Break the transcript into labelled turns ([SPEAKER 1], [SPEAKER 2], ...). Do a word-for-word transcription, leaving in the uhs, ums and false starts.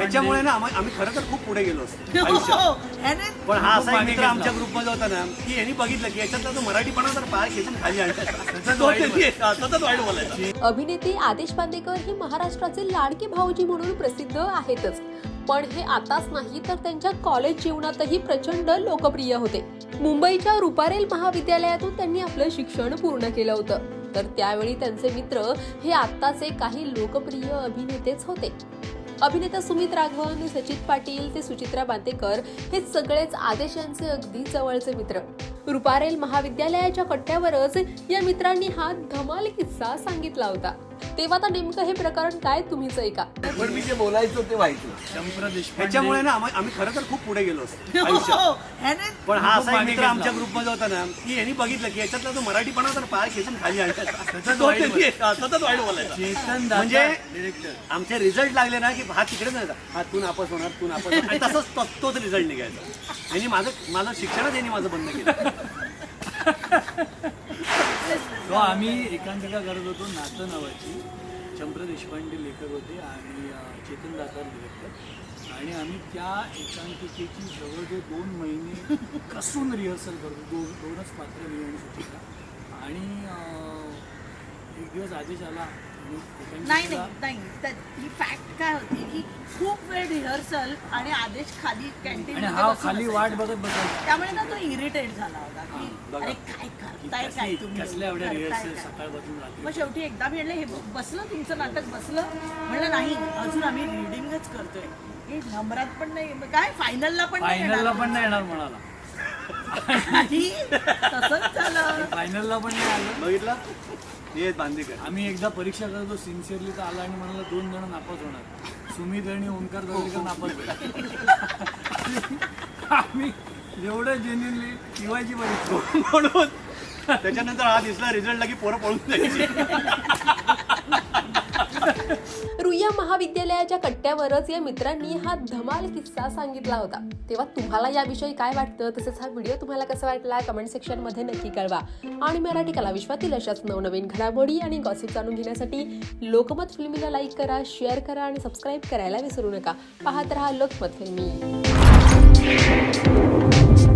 [SPEAKER 1] त्याच्यामुळे ना आम्ही आम्ही खरं तर खूप पुढे गेलो असतो आयुष्यात. पण हा असा एक मित्र आमच्या ग्रुपमध्ये होता ना की यांनी बघितलं की याच्यातला तो मराठीपणा तर पाय खेचून खाली आणला. तो त्यांनी सतत वाईट बोलायचा.
[SPEAKER 2] अभिनेते आदेश बांदेकर हे महाराष्ट्राचे लाडके भाऊजी म्हणून प्रसिद्ध आहेतच, पण हे आताच नाही तर त्यांच्या कॉलेज जीवनातही प्रचंड लोकप्रिय होते. मुंबईच्या रुपारेल महाविद्यालयातून त्यांनी आपलं शिक्षण पूर्ण केलं होतं, तर त्यावेळी त्यांचे मित्र हे आत्ताचे काही लोकप्रिय अभिनेतेच होते. अभिनेता सुमित राघवन, सचित पाटील ते सुचित्रा बांदेकर हे सगळेच आदेश यांचे अगदी जवळचे मित्र. रुपारेल महाविद्यालयाच्या कट्ट्यावरच या मित्रांनी हा धमाल किस्सा सांगितला होता. तेव्हा तर नेमकं हे प्रकरण काय तुम्हीच ऐका.
[SPEAKER 3] पण मी जे बोलायचो ते व्हायचं.
[SPEAKER 1] त्याच्यामुळे ना आम्ही आम्ही खरं तर खूप पुढे गेलो असतो आयुष्यात. पण हा असा एक मित्र आमच्या ग्रुपमध्ये होता ना की यांनी बघितलं की याच्यातला तो मराठीपणा तर पाय खेचून खाली आणला. तो त्यांनी सतत वाईट बोलायचा. म्हणजे आमचे रिझल्ट लागले ना की हा तिकडे नाही हा तू नापास होणार तू नापास होणार आणि तसंच तो- तोच रिझल्ट निघायचा. यांनी माझं माझं शिक्षणच यांनी माझं बंद केलं.
[SPEAKER 4] तो आम्ही एकांकिका करत होतो नातं नावाची. चंप्र देशपांडे लेखक होते आणि चेतन दातार डिरेक्टर, आणि आम्ही त्या एकांकिकेची जवळजवळ दोन महिने कसून रिहर्सल करतो. दोन दोनच पात्र मी आणि सुचिता. आणि अं, एक दिवस आदेश आला आणि
[SPEAKER 5] नाही
[SPEAKER 4] एकांकिकेला
[SPEAKER 5] नाही नाही ही फॅक्ट काय होती की खूप वेळ रिहर्सल आणि आदेश खाली कॅन्टीन
[SPEAKER 4] आणि हा खाली वाट बघत बसायचा.
[SPEAKER 5] त्यामुळे ना तो इरिटेट झाला होता की अरे काय करताय काय तुम्ही
[SPEAKER 4] कसल्या एवढ्या
[SPEAKER 5] करताय
[SPEAKER 4] रिहर्सल
[SPEAKER 5] काय?
[SPEAKER 4] सकाळपासून रात्री.
[SPEAKER 5] मग शेवटी एकदा मी म्हणलं हे बसलं तुमचं नाटक बसलं. म्हणलं नाही अजून आम्ही रिडिंगच करतोय. हे नंबरात पण नाही मग काय फायनलला पण नाही
[SPEAKER 4] फायनलला
[SPEAKER 5] येणार.
[SPEAKER 4] पण नाही येणार म्हणाला.
[SPEAKER 5] नाही, तसंच झालं.
[SPEAKER 4] फायनलला पण नाही आलं.
[SPEAKER 1] बघितलं हे बांदेकर.
[SPEAKER 4] आम्ही एकदा परीक्षा करतो सिन्सिअरली तर आला आणि म्हणाला दोन जण नापास होणार, सुमित आणि ओंकार दरेकर नापास होईल. आम्ही एवढं जेन्युनली शिवायची परीक्षा
[SPEAKER 1] म्हणून त्याच्यानंतर हा दिसला रिझल्ट की पोरं पळून जायची.
[SPEAKER 2] रुईया महाविद्यालयाच्या कट्ट्यावरच या मित्रांनी हा धमाल किस्सा सांगितला होता. तेव्हा तुम्हाला याविषयी काय वाटतं, तसेच हा व्हिडिओ तुम्हाला कसा वाटला कमेंट सेक्शन मध्ये नक्की कळवा. आणि मराठी कला विश्वातील अशाच नवनवीन घडामोडी आणि गॉसिप जाणून घेण्यासाठी लोकमत फिल्मीला लाईक करा, शेअर करा आणि सबस्क्राईब करायला विसरू नका. पाहत रहा लोकमत फिल्मी.